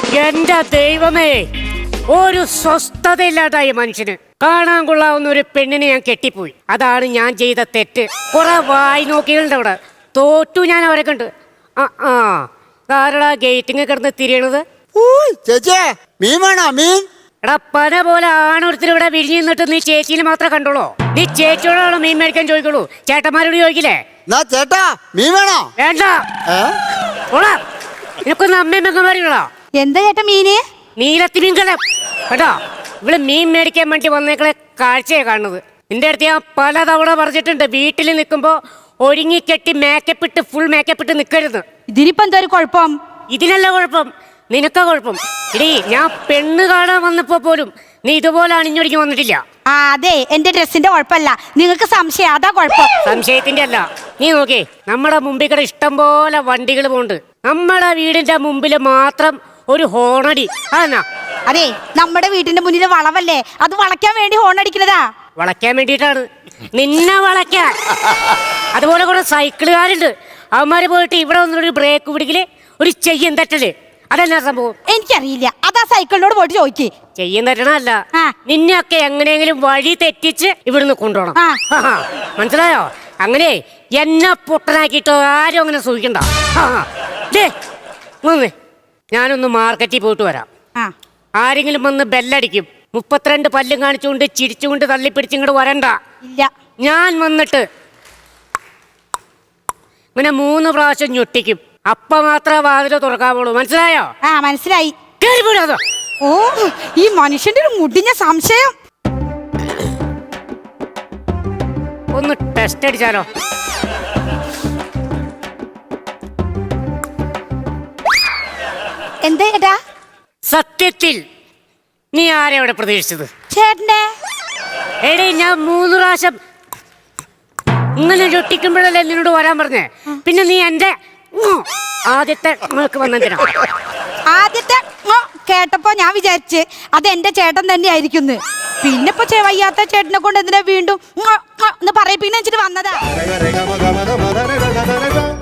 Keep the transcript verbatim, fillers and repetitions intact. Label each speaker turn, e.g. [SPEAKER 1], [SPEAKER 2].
[SPEAKER 1] എന്റെ ദൈവമേ, ഒരു സ്വസ്ഥതയില്ലാതായി മനുഷ്യന്. കാണാൻ കൊള്ളാവുന്ന ഒരു പെണ്ണിനെ ഞാൻ കെട്ടിപ്പോയി. അതാണ് ഞാൻ ചെയ്ത തെറ്റ്. കുറെ വായി നോക്കികളുണ്ട് അവിടെ. തോറ്റു ഞാൻ അവരെ കണ്ട്. ആ ആ ആരടാ ഗേറ്റിങ് കിടന്ന് തിരിയണത്?
[SPEAKER 2] ചേച്ചിയെ മീൻ വേണോ? മീൻ
[SPEAKER 1] എടാ, പന പോലെ ആണൊരുത്തർ ഇവിടെ വിരിഞ്ഞു നിന്നിട്ട് നീ ചേച്ചിനെ മാത്രമേ കണ്ടോളൂ. നീ ചേച്ചിയോടാണ് മീൻ മേടിക്കാൻ ചോദിക്കുള്ളൂ, ചേട്ടന്മാരോട് ചോദിക്കില്ലേ?
[SPEAKER 2] ചേട്ടാ മീൻ വേണോ?
[SPEAKER 1] വേണ്ട. നിനക്കൊന്ന് അമ്മയും മെങ്ങന്മാരികളോ?
[SPEAKER 3] എന്താ ചേട്ടാ മീന്?
[SPEAKER 1] നീലത്തി മീൻകലം കേട്ടോ. ഇവിടെ മീൻ മേടിക്കാൻ വേണ്ടി വന്നേക്കളെ കാഴ്ചയെ കാണുന്നത്. നിന്റെ അടുത്ത് ഞാൻ പലതവണ പറഞ്ഞിട്ടുണ്ട്, വീട്ടിൽ നിൽക്കുമ്പോ ഒരുങ്ങിക്കെട്ടി മേക്കപ്പ് ഇട്ട് ഫുൾ മേക്കപ്പ് ഇട്ട് നിൽക്കരുത്.
[SPEAKER 3] ഇതിനിപ്പോ എന്താ ഒരു കുഴപ്പം?
[SPEAKER 1] ഇതിനല്ല കുഴപ്പം, നിനക്കാ കുഴപ്പം. എടീ, ഞാൻ പെണ്ണ് കാണാൻ വന്നപ്പോ പോലും നീ ഇതുപോലെ അണിഞ്ഞൊരുങ്ങി വന്നിട്ടില്ല.
[SPEAKER 3] ആ അതെ, എന്റെ ഡ്രസ്സിന്റെ കുഴപ്പമല്ല, നിങ്ങൾക്ക് സംശയം, അതാ കുഴപ്പം.
[SPEAKER 1] സംശയത്തിന്റെ അല്ല. നീ നോക്കേ, നമ്മുടെ മുമ്പിൽ കൂടെ ഇഷ്ടം പോലെ വണ്ടികൾ പോകുന്നുണ്ട്. നമ്മുടെ വീടിന്റെ മുമ്പിൽ മാത്രം ഒരു ഹോണടി. അതെന്നാ?
[SPEAKER 3] അതെ, നമ്മുടെ വീടിന്റെ മുന്നിൽ വളവല്ലേ, അത് വളയ്ക്കാൻ വേണ്ടി ഹോൺ അടിക്കുന്നതാ.
[SPEAKER 1] വളയ്ക്കാൻ വേണ്ടിയിട്ടാണ്, നിന്നെ വളയ്ക്കാൻ. അതുപോലെ കുറെ സൈക്കിളുകാരുണ്ട്, അവന്മാര് പോയിട്ട് ഇവിടെ വന്നൊരു ബ്രേക്ക് പിടിക്കല്, ഒരു ചെയ്യം തട്ടല്. അതെന്നാ സംഭവം?
[SPEAKER 3] എനിക്കറിയില്ല, അതാ സൈക്കിളിനോട് പോയിട്ട് ചോദിക്കേ.
[SPEAKER 1] ചെയ്യം തട്ടണല്ല, നിന്നെയൊക്കെ എങ്ങനെയെങ്കിലും വഴി തെറ്റിച്ച് ഇവിടുന്ന് കൊണ്ടുപോകണം. മനസ്സിലായോ? അങ്ങനെ എന്നെ പൊട്ടനാക്കിയിട്ട് ആരും അങ്ങനെ സൂക്ഷിക്കണ്ട. ഞാനൊന്ന് മാർക്കറ്റിൽ പോയിട്ട് വരാം. ആരെങ്കിലും വന്ന് ബെല്ലടിക്കും, മുപ്പത്തിരണ്ട് പല്ലും കാണിച്ചുകൊണ്ട് ചിരിച്ചുകൊണ്ട് തള്ളിപ്പിടിച്ച് ഇങ്ങോട്ട് വരണ്ട.
[SPEAKER 3] ഇല്ല, ഞാൻ
[SPEAKER 1] വന്നിട്ട് ഇങ്ങനെ മൂന്ന് പ്രാവശ്യം ഞൊട്ടിക്കും. അപ്പ മാത്രമേ വാതില് തുറക്കാവുള്ളൂ. മനസ്സിലായോ?
[SPEAKER 3] ആ മനസ്സിലായി.
[SPEAKER 1] ഓ,
[SPEAKER 3] ഈ മനുഷ്യന്റെ ഒരു മുടിഞ്ഞ സംശയം.
[SPEAKER 1] ഒന്ന് ടെസ്റ്റ് അടിച്ചാലോ?
[SPEAKER 3] എന്താ ചേട്ടാ?
[SPEAKER 1] സത്യത്തിൽ നീ ആരെവിടെ പ്രതീക്ഷിച്ചത്?
[SPEAKER 3] ചേട്ടനെ.
[SPEAKER 1] എടേ, ഞാൻ മൂന്ന് പ്രാവശ്യം ഇങ്ങനെ ചൊട്ടിക്കുമ്പോഴല്ലേ നിന്നോട് വരാൻ പറഞ്ഞേ. പിന്നെ നീ എന്റെ ആദ്യത്തെ വന്നെന്തിനാ?
[SPEAKER 3] ആദ്യത്തെ കേട്ടപ്പോ ഞാൻ വിചാരിച്ച് അത് എന്റെ ചേട്ടൻ തന്നെ ആയിരിക്കുന്നു. പിന്നെ ഇപ്പൊ വയ്യാത്ത ചേട്ടനെ കൊണ്ട് എന്തിനാ വീണ്ടും എന്ന് പറയിപ്പിക്കുന്ന വെച്ചിട്ട് വന്നതാ.